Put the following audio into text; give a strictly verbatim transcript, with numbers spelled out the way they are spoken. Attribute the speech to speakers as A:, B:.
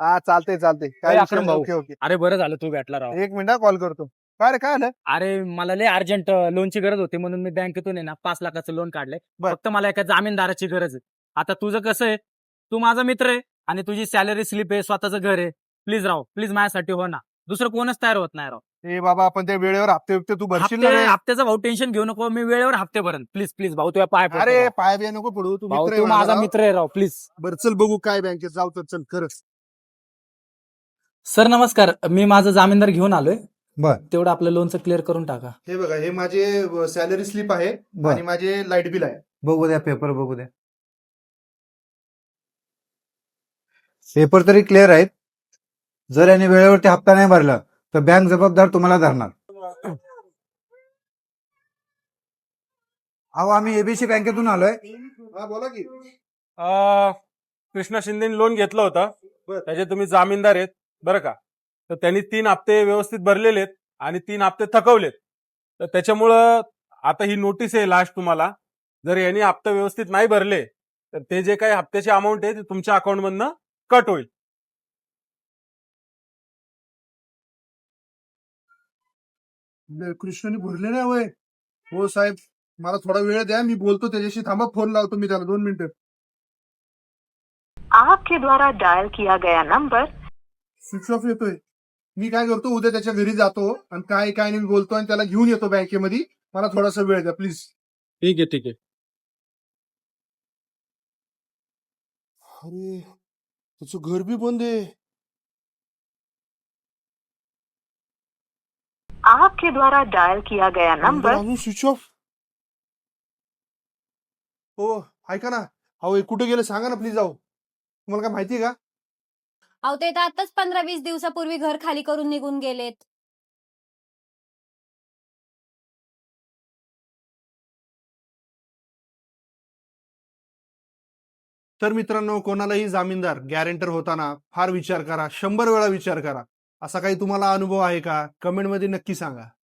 A: हा चालते चालते काय
B: अरे
A: विषय
B: अक्रम
A: नाही.
B: भाऊ.
A: ओके ओके
B: अरे बरं झालं तू भेटला राव.
A: एक मिनिट कॉल करतो. काय रे काय आलं?
B: अरे मला लय अर्जंट लोनची गरज होती म्हणून मी बँकेतून आहे ना पाच लाखाचं लोन काढलंय.
A: बर.
B: फक्त मला एका जामीनदाराची गरज आहे. आता तुझं कसं आहे, तू माझा मित्र आहे आणि तुझी सॅलरी स्लिप आहे, स्वतःचं घर आहे. प्लीज राव, प्लीज माझ्यासाठी हो ना. दुसरं कोणच तयार होत नाही राव.
A: ए बाबा आपण त्या वेळेवर हप्ते हप्ते तू भरशील ना
B: हप्ते
A: रे?
B: हप्त्याचा भाऊ टेन्शन घेऊ नको, मी वेळेवर हप्ते भरण. प्लीज प्लीज भाऊ तुझ्या पाय पडतो
A: अरे
B: राव.
A: पाय बिया नको पडू, तू
B: भाऊ
A: मित्र आहे
B: तू
A: माझा
B: माझा
A: राव.
B: मित्र आहे राव, प्लीज.
A: बरं चल बघू काय बँकेत जाऊ तर चल खरंच.
B: सर नमस्कार, मी माझा जामीनदार घेऊन आलोय.
A: बर.
B: तेवढं आपलं लोनचं क्लिअर करून टाका.
A: हे बघा हे माझे सॅलरी स्लिप आहे
C: बर.
A: आणि माझे लाईट बिल आहे.
C: बघू द्या पेपर बघू द्या. पेपर तरी क्लिअर आहेत. जर यांनी वेळेवरती हप्ता नाही भरला तर बँक जबाबदार तुम्हाला धरणार. अहो आम्ही एबीसी बँकेतून आलोय.
A: हा बोला की.
D: अ, कृष्णा शिंदेनी लोन घेतलं होतं.
A: बर.
D: त्याचे तुम्ही जामीनदार आहेत बरं का. तर त्यांनी तीन हप्ते व्यवस्थित भरलेले आहेत आणि तीन हप्ते थकवलेत. तर त्याच्यामुळं आता ही नोटीस आहे लास्ट तुम्हाला. जर यांनी हप्ते व्यवस्थित नाही भरले तर ते जे काही हप्त्याची अमाऊंट आहे ते तुमच्या अकाउंटमधनं कट होईल.
A: कृष्णाने भरले नाही वय. हो साहेब मला थोडा वेळ द्या, मी बोलतो त्याच्याशी. थांबा फोन लावतो मी त्याला दोन मिनिटं.
E: आपके द्वारा डायल किया गया नंबर
A: स्विच ऑफ येतोय. मी काय करतो उद्या त्याच्या घरी जातो आणि काय काय नाही बोलतो आणि त्याला घेऊन येतो बँकेमध्ये. मला थोडासा वेळ द्या प्लीज.
D: ठीक आहे ठीक आहे.
A: अरे त्याचं घर बी बंद आहे.
E: आपके द्वारा डायल किया गया
A: नंबर
E: नंबर
A: अजून स्विच ऑफ. हो ऐका ना, अहो हे कुठे गेले सांगा ना प्लीज. जाऊ तुम्हाला काय माहिती का?
F: अहो ते तर आताच पंधरा वीस दिवसापूर्वी घर खाली करून निघून गेलेत.
A: तर मित्रांनो कोणालाही जामीनदार गॅरेंटर होताना फार विचार करा, शंभर वेळा विचार करा. असा काही तुम्हाला अनुभव आहे का? कमेंटमध्ये नक्की सांगा.